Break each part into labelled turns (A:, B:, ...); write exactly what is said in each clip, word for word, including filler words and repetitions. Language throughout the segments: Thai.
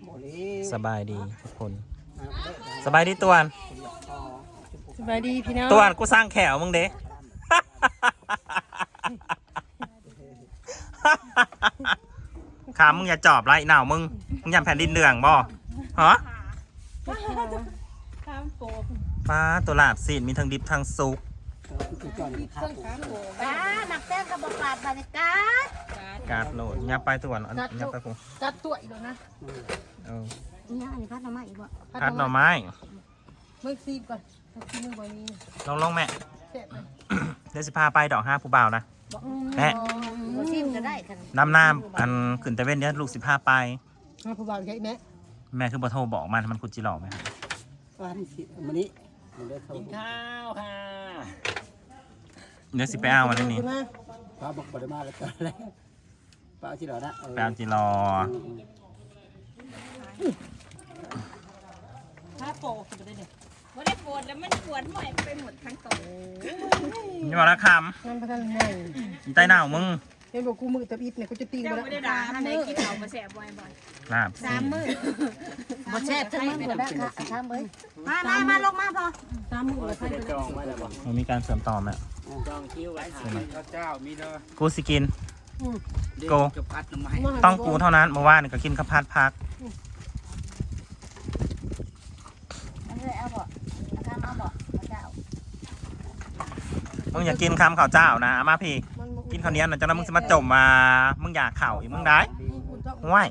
A: สบายดีทุกคนสบายดีตวน
B: สบายดีพี่น้อง
A: ตวนกูสร้างแขวมึงเด้ขามึงอย่าจอบไรหนาวมึงมึงอย่าแผ่นดินเดืองบ่ฮะฟ้าตัวลาบซีนมีทั้งดิบทั้งซุก
C: บ้าหนักแต้มกับบปาดบรรยากาศ
A: กาดโหลดยับไปตวนยับไปกู
B: กัดตัวอีกแล้วนะ
A: เออ
C: นี่อันนี้พัดหน่อไม้อีกบ่
A: พัดหน่อไม้
B: เมื่อซีบก่อนซีบเมื่อวันนี้
A: ลงลงแม่เดี๋ยวสิพาไปดอกห้าผู้บ่าวนะแม่
C: ซีบก็ได้ค่ะ
A: น้ำน้ำอันขึ้นแต่เว้นเดี๋ยวลูกสิพาไป
B: ห้าผู้บ่าวใช่ไหม
A: แม่คือบ่โทรบอกมันมันคุจิหล่อไหม
D: วันวันนี้
E: กินข้าวค่ะ
A: เดี๋ยวสิไปเอาวันนี้
D: ป้าบอกปริมาแล้วก็แล้วป้าจิรอนะ
A: ไปเอาจิรอ
B: ถ้าโปะจะได้เด็ก
C: ว่าได้ปวดแล้วมันปวดหน่อยไปหมดทั้งตัว
A: นี่บอกนะคำ
B: นั่นประธานไง
A: ใต้หนาวมึง
B: เห็นบอกกูมือตะอิดเนี่ยกูจะตีน
C: ไปแล้วไม่ได้ด่าทำไมกินเอามาแสบบ่อย
A: ๆลาบ
C: สามมื้อบ่แสบทั้งมื้อได้ค่ะสามมื้อมามามาลงมาพอ
B: สามมื้อใคร
E: จองไว้แล้วบ่
A: มันมีการเสริมต่อไหม
E: จองคิวไว้ข้าวเจ้ามีเด้อ
A: กูสิกินโก
E: พัดหน่อไม้
A: ต้องกูเท่านั้นเมื่อวานก็กินข้าวผัดพัก
C: เอาบ่ทำเอาบ่เจ้า
A: มึงอยากกินคำข้าวเจ้านะมาพี่กินข้าวเหนียวนะจังนั้นมึงจะมาจมมามึงอยากเข่าอีกมึงได้ง่าย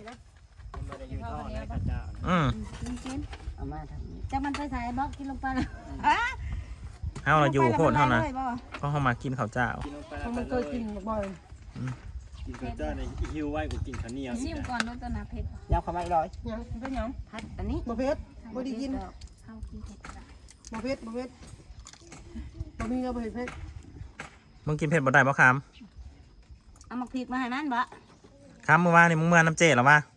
A: อืม
C: จะมันไปใส่บล็อกกินลงไปเลย
A: เฮาเราอยู่โคตรเท่านั้นเพราะเขามากินข้าวเจ้า
B: เขามันเคยกินบ่อย
E: กินข้าวเจ้าในหิวไว้กูกินข้าวเหนียว
C: ชิมก่อนด้วยตัวนาเพชร
D: ยาวเข้ามาอีกร้อย
B: ยังเป็นยัง
C: พัดอันนี้
B: บ่เพชรบ่ได้กิน
C: ข้าวกินเผ็ด
B: บ่เพชรบ่เพชรบ่มีแล้วบ่เพชร
A: มึงกินเผ็ดบ่ได้บ่ค
C: ำเอามาพริกมาให้มันบ่
A: คำเมื่อวานนี่มึงเมื่อน้ำเจหรอวะ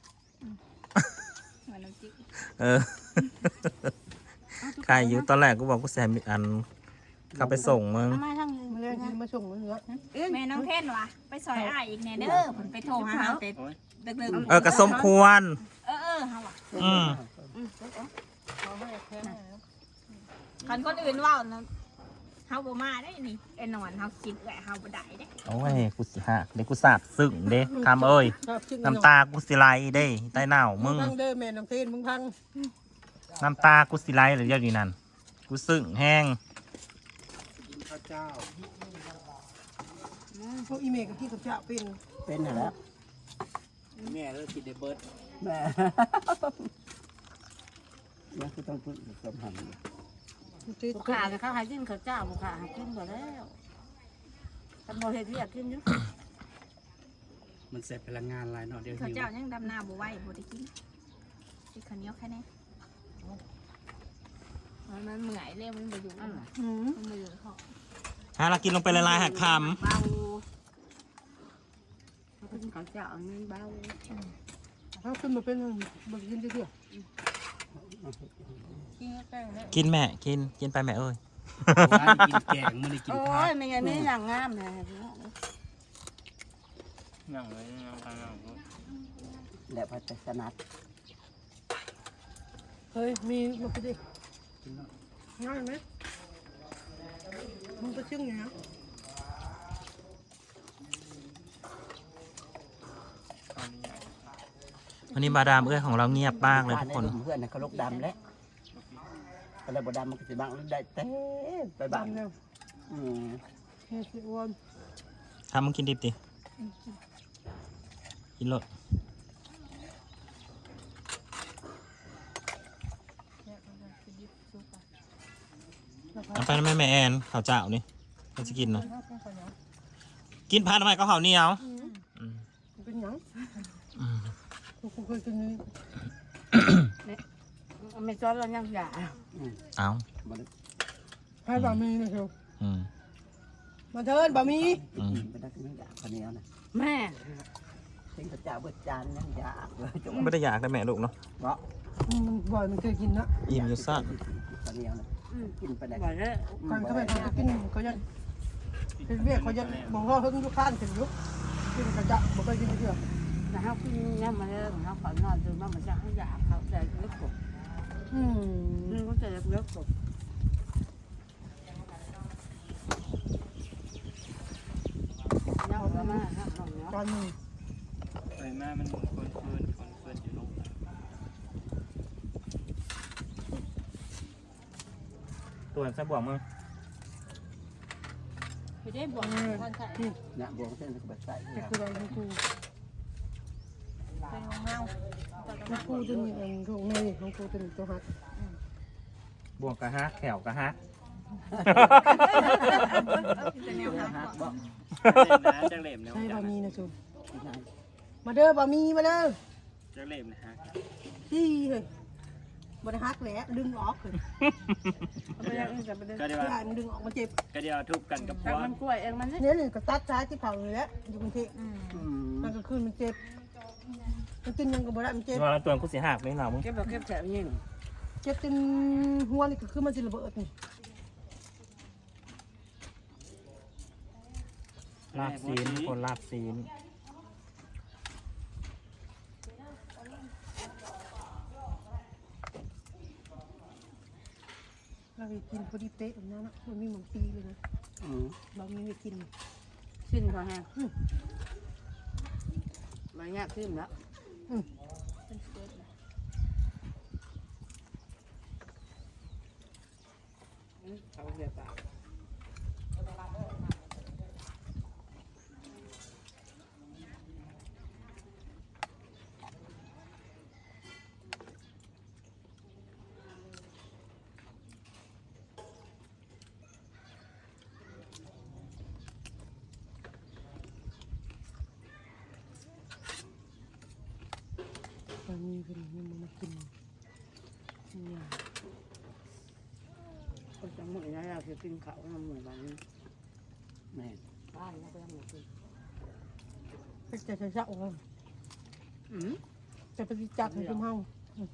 A: เออใครอยู่ตอนแรกกูบอกกูแซมอันเข้าไปส่งมึง
C: มาทางนึง
B: มาเลยมาส่งมึงเหรอ
C: แม่น้องเทนวะไปซอยอ้ายอีกแน่เด้อผมไปโทรหาเฮาเต็ดดึก
A: ๆเออกระสมควร
C: เออเออเฮาอ่ะ
A: อืม
C: คันคนอื่นว่าเฮาบ่มาได้นี่ไอ้นอนเฮาคิดแหละเฮาบ่ได้เด้
A: โอ้ยกูสิฮะเด็กกูสาบซึ้งเด้คำเอ้ยน้ำตากูสิไหลเด้ใต้หนาวมึง
B: พังเด้อแม่น้องเทนมึงพัง
A: น้ำตากูสิไหลหรือยังนี่นั่นกูซึ้งแห้ง
E: กินข้าวเจ้า
B: พวกอีเมลกับพี่กับเจ้าเป็น
D: เป็นแล้ว
E: แม่เลิกกินเดบิร์ต
D: แม่ยังคือต้องพูดสมหัน
C: บุคคาเขาให้กินข้าวเจ้าบุคคาให้กินบ่แล้วแต่บ่เฮ็ดเวียกกินอยู่
E: มันเสร็จพลังงานหลายเนาะเดี๋ยว
C: ข้าวเจ้ายังดำนาบ่ไหวบ่ได้กินกินข้าวเหนียวแค่นี้มันเหนื่อยเลยมันบ่อยู่มันบ่อยู่ท้อง
A: ฮะเรากินลงไปละลายหักคำ
C: เบาเขากินข้าวเจ้ามันเบา
B: เขาขึ้นมาเป็นบ่กินเรื่อย
A: กินแม่กินกินไปแม่เอ้ย
E: กินแกงมันได้กินผัก
C: โอ้ยไม่งั้นนี่อย่างงามนะ
E: นั่งเลยนั่งไปนั่ง
D: แล้วพัดสนัด
B: เฮ้ยมีมาไปดิง่ายไหมมึงไปชื่อไง
A: วันนี้มาดามเอ้ยของเราเงียบมากเลยทุกคน
D: เพื่อนเขาลกดำแล้วอะไรบ่ดำมันก็จะบังได้เต้ไปบัง
B: แล้ว
D: อืม
B: เฮ้ยสิอ้วน
A: ทำมึงกินดิบดิกินรสเอาไปนะแม่แม่แอนข้าวเจ้านี่เขาจะกินนะกินพันทำไมก็ข้าวเหนียว
B: เป็นยังกูเคยกินนี่
C: ไม่ซ้อนเรายังหยา
A: เอา
B: ให้บะหมี่นะเชียวมาเทินบะหมี่
D: ไม่ได้ไม่อยากคนนี้นะ
C: แม่
D: เป็นกระเจ้าเบิดจานยังอยาก
A: ไม่ได้อยากได้แม่ลูกเนาะ
D: เนาะ
B: มันบ่อยมันเคยกินนะ
A: อิ่มอยู่สั้น
D: คนนี้นะกินไปได้
C: บ่อยเลย
B: ก่อนเขาไปเขาจะกินเขาจะเป็นเวียเขาจะบอกว่าเขาต้องยุคข้านถึงยุคกินกระเจ้าบอกว่ากินเพื่อแต่เขาขึ้นนี่มาเลยเขาขอนอนจนว่ามันจะให้ยาเขาใจเล็กกบอืมนี่เขาใจเล็กกบเน่าแล้วมาครับตอนนี้
E: ไปมามันคนเฟินคนเฟินอยู่ลง
A: ตัวใส่บ่วงมึง
B: ไปได้บ่วงท่านใส่
D: เนี่ยบวงเส้นก็แบบใส่
B: จะคืออะไรครูเป็นของเงาของครูตัวนี้เองของเมย์ของครูตัวนี้ตัวฮัก
A: บ่วงกะฮะแขวกะฮะ
C: จะแนวหา
D: บ่
E: จังเล่มนะจังเล่มนะ
B: ใช่บะหมี่นะจูมาเด้อบะหมี่มาเด้อ
E: จังเล่มนะฮะ
B: ที่เลยบไดฮักแหละดึงออกเลยไม่ได้จะไปดึง
E: ก็เดี๋ยว
B: ไม่ได้มันดึงออกมาเจ็บ
E: ก็เดี๋ยวทุบกันกับพ
B: แต่
E: วก
B: มันกล้วยเองมันเนี่ยนี่ก็ตัดซ้ายที่เผาเลยแล้วอยู่กรุงเทพ
D: อืม
B: มันก็คืนมันเจ็บมันกินยังก็บ่ได้มันเจ็บ
A: ว่าแล้วตัวกูสิหักไม่เหนามึง
B: เจ็บแบบเจ็บแฉะยิ่งเจ็บจนหัวนี่ก็คือมันสิระเบิดนี่
A: ลาบซีนคนลาบซีน
B: เราไปกินพอดีเป๊ะแบบนั้นนะมันมีหมันปีเลยนะ
D: อืม
B: เรามีไปกิน
F: ขึ้นพอฮะมาเงี้ยขึ้นแล้วเขาเสียปาก
B: เรามีเป็นมันมากินเนี่ย
F: คนจังหวะนี้เราจะกินเขาทำเหมือนกัน
D: แม่
F: บ้านเราก็ยังไม่กิน
B: เป็นจะจะจะโอ้
F: อืม
B: จะไปจับให้ทุ่มเฮา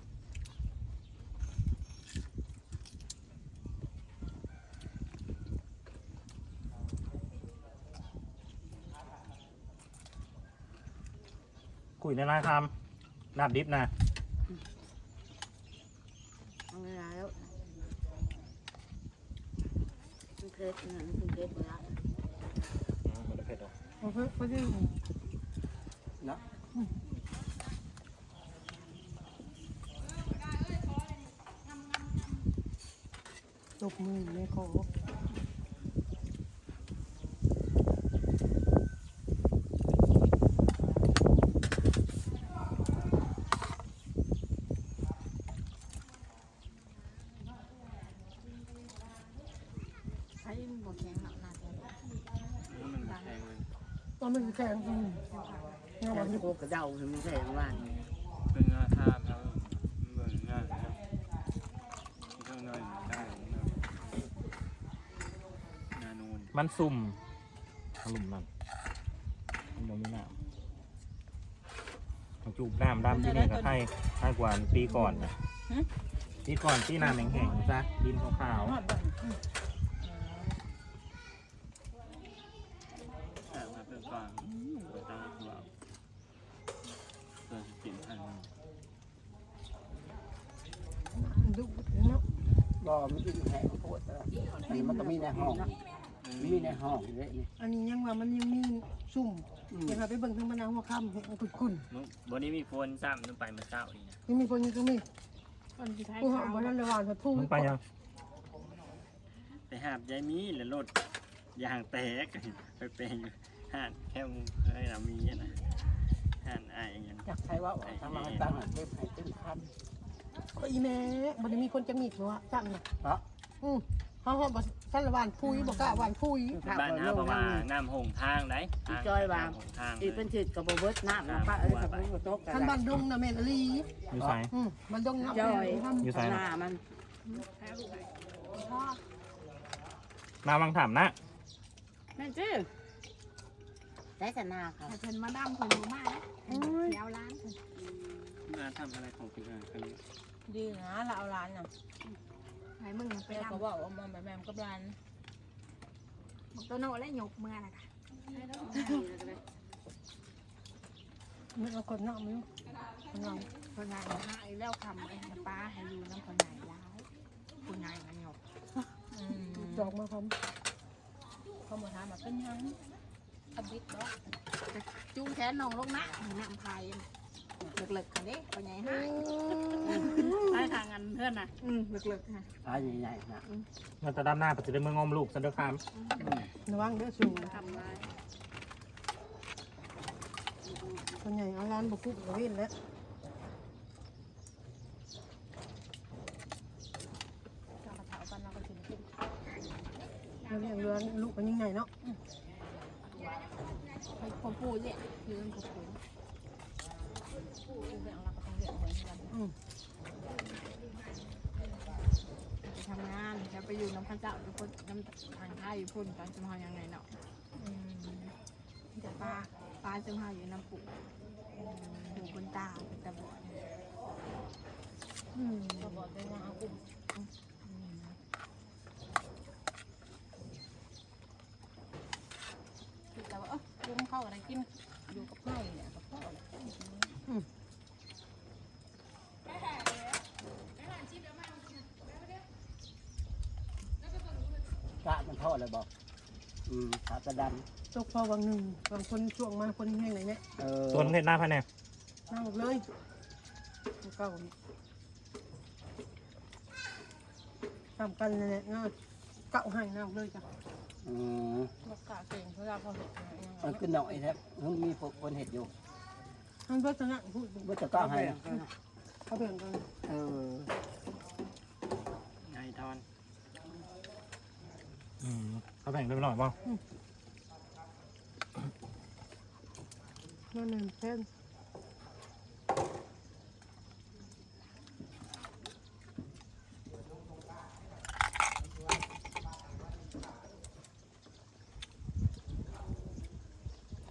A: คุยในร้านคำลาบดิบนะ
F: เอาไงแล้วคุณเคสนะคุณเคสไปแล้ว
A: มันจะเผ็ดหรอ
B: โอเคพอดี
D: เนาะ
B: ตบมือในคอ
C: ใช้บ่แข็งหนักหนักเลย
E: มันแพงเลย
B: ตอนมันแข็งอืมเงา
F: แต่
B: วัน
F: ที่
B: นี้
F: โกกระเดาถึงไม่ใช่บ้าน
E: เป็นงาท่าครับเมืองงาครับข้างในได้นานูน
A: มันซุ่มขลุ่มมันมันยังไม่น้ำมันจูบน้ำดำที่นี่ก็ให้ให้กว่าปีก่อนนะปีก่อนที่น้ำแห้งๆซะดินขาว
E: แต่มาเป็นฟังไปตามตัวตัวสิบพัน
B: ดุเนาะ
D: บ่มันกินแห้งโคตรแล้วนี่มันก็มีในห้องมีในห้องเลยนี่
B: อันนี้ยังว่ามันยังมีซุ่มยังหาไปเบิ่งทางมะนาวหัวค่ำให้ขุดขุ่น
E: บนนี้มีโฟนซ้ำต้องไปมาเช้าดีนะ
B: ยังมีคนยังก็มี
C: คนที่ไทย
B: ผู้หา
C: เขา
B: บ่ทันได้หวานผัดผู้
A: ๆมึงไปยัง
E: ไปหาบยายมีแล้วรถยางแตกไปเป็นอยู่ห่านแค่มึงเคยเรามีนะห่านไอ้ยัง
D: อยากใช้ว่าทำมาตั้งเก็บให้ตึ้งพัน
B: ก็อีแม่บ่ได้มีคนจะมีดว่าจังน่ะ
D: เพราะ
B: อือเฮาเฮาบ่ทันละหวานผู้บ่กล้าหวานผู้
E: บ้านน้าประมาณน้ำหงทางไหนหงทาง
F: อีเป็นจิตกับโบเบิร์ตน้ำนะป้าเอ้ยกับโบโต๊ะกัน
B: ท่านบ้านดงน่ะแม่นอลี
A: อยู่ไส
B: อือบ้านดงน่ะ
F: ย่อย
A: อยู่ไส
F: หน้ามัน
C: พ่อ
A: น้ำวังถามนะ
F: แม่จื้อได้แต่หน้าค่ะ
C: แต่เพิ่นมาดำเพิ่นบ่มาแล้วเดี๋ยวร้านเพิ่น
E: น้าทำอะไรของคุณอากัน
G: ดีนะเราเอาร้านน่ะ
C: ให้มึงไป
G: เรา
C: ดำ
G: ก็บอกว่ามันแบบแม่มกับร้าน
C: บอกตัวโน่และหยกเมื่อน่ะค่ะ
B: มันเอาคนนอกมั้ยคนนอก
C: คนใหญ่หายแล้วคำไอ้ป้าให้อยู่น้ำคนใหญ่ร้ายคนใหญ่มันหยก
G: อืม
B: จอกมาพร้อม
G: เขาบอกถามมาเป็นยังทำบิดบ่
C: จูงแขนน้องลงนะน้ำพายเลิกๆกันเด้คนใหญ่หาย
F: ได้ทางกันเพื่อนน่ะ
C: อืมเลิกๆค่ะ
D: ปลาใหญ่ๆนะ
A: เราจะดำหน้าไปจะได้เมืองงอมลูกซันเดอร์คาม
B: ระวังเด้อสูง
F: ทำมา
B: คนใหญ่เอาร้านบุกคุกกระเวนแล้ว
G: เรากระเถากันเราก็ถึงกิน
B: แล้วเลี้ยงเรือนลูกมันยังไงเนาะ
C: ไปพ่อปู่เนี่ยคือมันพ่อปู่
G: เรื่องเราก็ต้องเรียกเหมือนกัน
B: อืม
C: ไปทำงานจะไปอยู่น้ำพระเจ้าทุกคนน้ำทางไทยพุ่นตอนจะมายังไงเนาะ
G: อืม
C: แต่ป้าป้าจะมาอยู่น้ำปู่ปู่บนตาเป็นตาบอด
B: อืม
G: ก็บอกได้ว่าเอากลุ่มคิดแต่ว่าเออลุงเข้าอะไรกินอยู่กับไผ่เนี่ยกับพ่อเนี่ย
D: กะมันทอดเลยบอกอืมขาตะดัน
B: ตกพอวังหนึ่งบางคนช่วงมาคนแห้งไหนเนี่ย
D: เออ
A: ส่วนเห็ดหน้าภายใน
B: นั่งเลยเก่าทำกันเลยเนี่ยเนาะเก่าให้นั่งเลยจ้ะ
D: อืม
G: รักษาเก่งเพราะเราเขาเห็น
D: มันขึ้นหน่อยแท้มันมีพวกคนเห็ดอยู่
B: ท่านเพื่อชนะพูด
D: ว่าจะก้าวให้นะ
B: เขาเปลี่ยนกัน
D: เออ
E: ไงทอน
A: อืมเขาแบ่งได้ไปหน่อยป่ะ
B: นั่นน่ะเช่น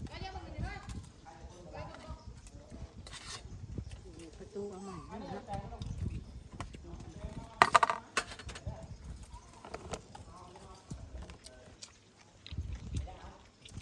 C: ประตูเอาใหม่